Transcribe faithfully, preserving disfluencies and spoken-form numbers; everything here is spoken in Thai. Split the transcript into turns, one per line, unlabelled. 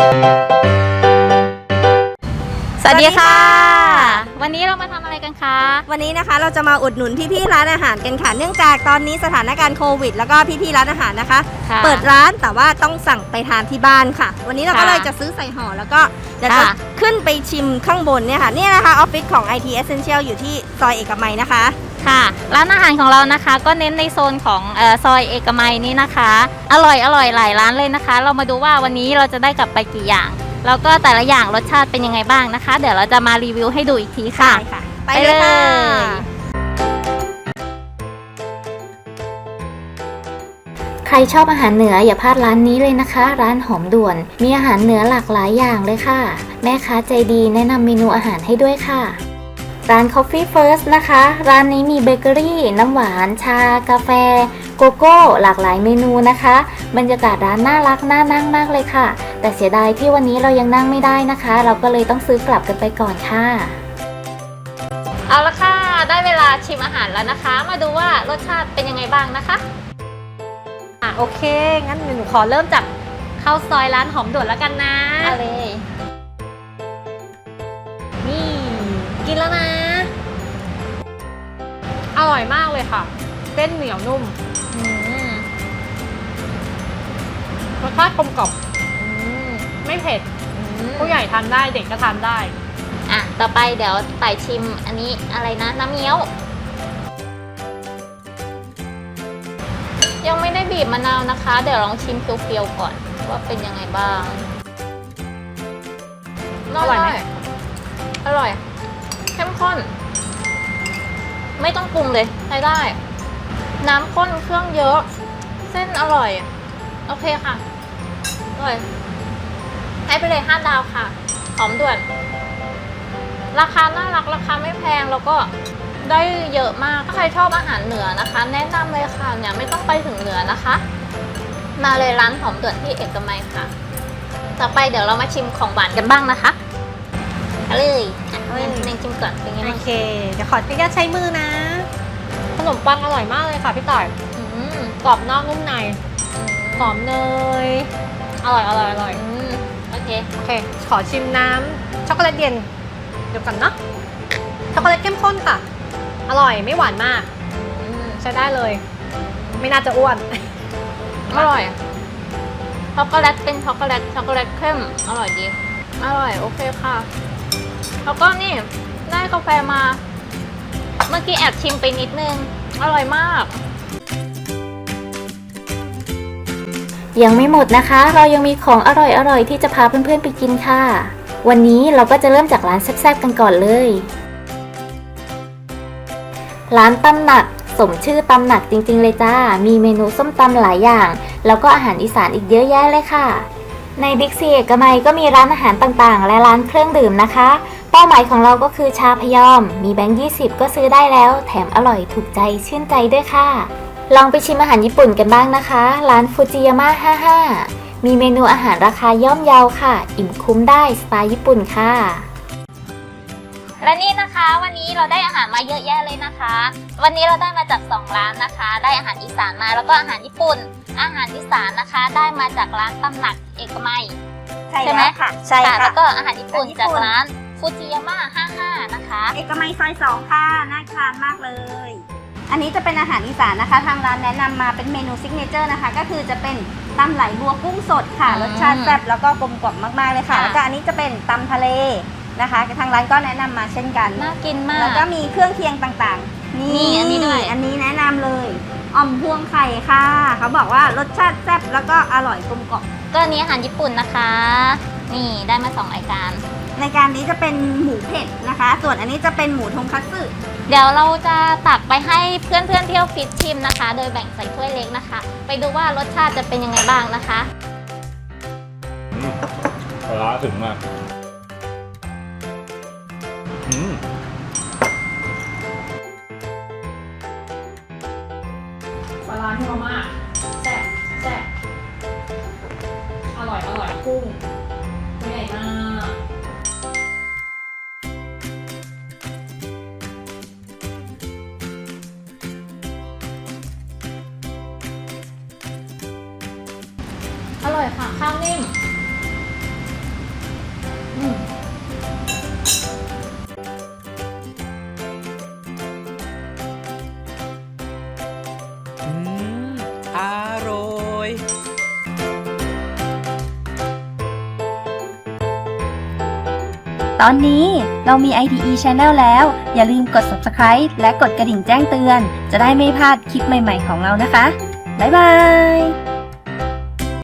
สวัสดีค่ะวันนี้เรามาทำอะไรกันคะ
วันนี้นะคะเราจะมาอุดหนุนพี่ๆร้านอาหารกันค่ะเนื่องจากตอนนี้สถานการณ์โควิดแล้วก็พี่ๆร้านอาหารนะคะเปิดร้านแต่ว่าต้องสั่งไปทานที่บ้านค่ะวันนี้เราก็เลยจะซื้อใส่ห่อแล้วก็เดี๋ยวจะขึ้นไปชิมข้างบนเนี่ยค่ะนี่นะคะออฟฟิศของ ไอ ที Essential อยู่ที่ซอยเอกมัยนะคะ
ค่ะร้านอาหารของเรานะคะก็เน้นในโซนของเอ่อซอยเอกมัยนี้นะคะอร่อยอร่อยหลายร้านเลยนะคะเรามาดูว่าวันนี้เราจะได้กลับไปกี่อย่างแล้วก็แต่ละอย่างรสชาติเป็นยังไงบ้างนะคะเดี๋ยวเราจะมารีวิวให้ดูอีกทีค่ะ
ไปเลยค่ะ
ใครชอบอาหารเหนืออย่าพลาดร้านนี้เลยนะคะร้านหอมด่วนมีอาหารเหนือหลากหลายอย่างเลยค่ะแม่ค้าใจดีแนะนำเมนูอาหารให้ด้วยค่ะร้าน Coffee First นะคะร้านนี้มีเบเกอรี่น้ำหวานชากาแฟโกโก้หลากหลายเมนูนะคะบรรยากาศร้านน่ารักน่านั่งมากเลยค่ะแต่เสียดายที่วันนี้เรายังนั่งไม่ได้นะคะเราก็เลยต้องซื้อกลับกันไปก่อนค่ะ
เอาละค่ะได้เวลาชิมอาหารแล้วนะคะมาดูว่ารสชาติเป็นยังไงบ้างนะคะ
อ่ะโอเคงั้นหนูขอเริ่มจากข้าวซอยร้านหอมด่วนแล้วกันนะ
เอาเลย
นี่กินแล้วนะอร่อยมากเลยค่ะเส้นเหนียวนุ่มรสชาติกลมกล่อมไม่เผ็ดผู้ใหญ่ทานได้เด็กก็ทานได้
อ่ะต่อไปเดี๋ยวไต่ชิมอันนี้อะไรนะน้ำเงี้ยวยังไม่ได้บีบมะนาวนะคะเดี๋ยวลองชิมเปรี้ยวๆก่อนว่าเป็นยังไงบ้าง
อร่อยไหม
อร่อยเข้มข้นไม่ต้องปรุงเลยใช้ได้น้ำข้นเครื่องเยอะเส้นอร่อยโอเคค่ะอร่อยให้ไปเลยห้าดาวค่ะหอมด่วนราคาน่ารักราคาไม่แพงแล้วก็ได้เยอะมากถ้าใครชอบอาหารเหนือนะคะแนะนำเลยค่ะเนี่ยไม่ต้องไปถึงเหนือนะคะมาเลยร้านหอมด่วนที่เอกมัยค่ะต่อไปเดี๋ยวเรามาชิมของหวานกันบ้างนะคะเอาเลยเน่งเน่งชิมก่อนเป็นไงบ้าง
โอเคเดี๋ยวขออนุญาตใช้มือนะขนมปังอร่อยมากเลยค่ะพี่ต่อยกรอบนอกนุ่มในหอมเนยอร่อยอร่อยอร่อย
โอเค
โอเคขอชิมน้ำช็อกโกแลตเย็นเดี๋ยวกันเนาะช็อกโกแลตเข้มข้นค่ะอร่อยไม่หวานมากใช้ได้เลยไม่น่าจะอ้วน
อร่อยช็อกโกแลตเป็นช็อกโกแลตช็อกโกแลตเข้มอร่อยดีอร่อยโอเคค่ะแล้วก็นี่ได้กาแฟมาเมื่อกี้แอบชิมไปนิดนึงอร่อยมาก
ยังไม่หมดนะคะเรายังมีของอร่อยๆที่จะพาเพื่อนๆไปกินค่ะวันนี้เราก็จะเริ่มจากร้านแซ่บๆกันก่อนเลยร้านตำหนักสมชื่อตำหนักจริงๆเลยจ้ามีเมนูส้มตำหลายอย่างแล้วก็อาหารอีสานอีกเยอะแยะเลยค่ะในบิ๊กซีเอกมัยก็มีร้านอาหารต่างๆและร้านเครื่องดื่มนะคะเป้าหมายของเราก็คือชาพยอมมีแบงค์ยี่สิบก็ซื้อได้แล้วแถมอร่อยถูกใจชื่นใจด้วยค่ะลองไปชิมอาหารญี่ปุ่นกันบ้างนะคะร้านฟูจิยาม่าห้าสิบห้ามีเมนูอาหารราคาย่อมเยาค่ะอิ่มคุ้มได้สไตล์ญี่ปุ่นค่ะ
และนี่นะคะวันนี้เราได้อาหารมาเยอะแยะเลยนะคะวันนี้เราได้มาจากสองร้านนะคะได้อาหารอีสานมาแล้วก็อาหารญี่ปุ่นอาหารอีสานนะคะได้มาจากร้านตำหนักเอกมัย
ใช่ไหมค่ะใช่ค่ะ
แล้วก็อาหารญี่ปุ่นจากร้านฟูจิยาม่าห้าสิบห้านะคะ
เอกมัยซอยสองค่ะน่าทานมากเลยอันนี้จะเป็นอาหารอีสานนะคะทางร้านแนะนำมาเป็นเมนูซิกเนเจอร์นะคะก็คือจะเป็นตำไหลบัวกุ้งสดค่ะรสชาติแซ่บแล้วก็กลมกล่อมมากๆเลยค่ะแล้วก็อันนี้จะเป็นตำทะเลนะคะทางร้านก็แนะนำมาเช่นกัน
น่ากินมาก
แล้วก็มีเครื่องเคียงต่างๆ
นี่อันนี้ด้วย
อันนี้แนะนำเลยอ่อมพวงไข่ค่ะเขาบอกว่ารสชาติแซ่บแล้วก็อร่อยกลมกล่อม
ก็อันนี้อาหารญี่ปุ่นนะคะนี่ได้มาสองรายการ
รายการนี้จะเป็นหมูเผ็ดนะคะส่วนอันนี้จะเป็นหมูทงคัตสึ
เดี๋ยวเราจะตักไปให้เพื่อนเพื่อนเที่ยวฟิตชิมนะคะโดยแบ่งใส่ถ้วยเล็กนะคะไปดูว่ารสชาติจะเป็นยังไงบ้างนะคะ
ปลาร้าถึงมากอืม
ปลาร้าที่มากแซ่บแซ่บอร่อยอร่อยกุ้งใหญ่มากอร่อยค่ะข้าวนิ่ม
ตอนนี้เรามี ไอ ที อี Channel แล้ว อย่าลืมกด Subscribe และกดกระดิ่งแจ้งเตือน จะได้ไม่พลาดคลิปใหม่ๆของเรานะคะ บ๊ายบาย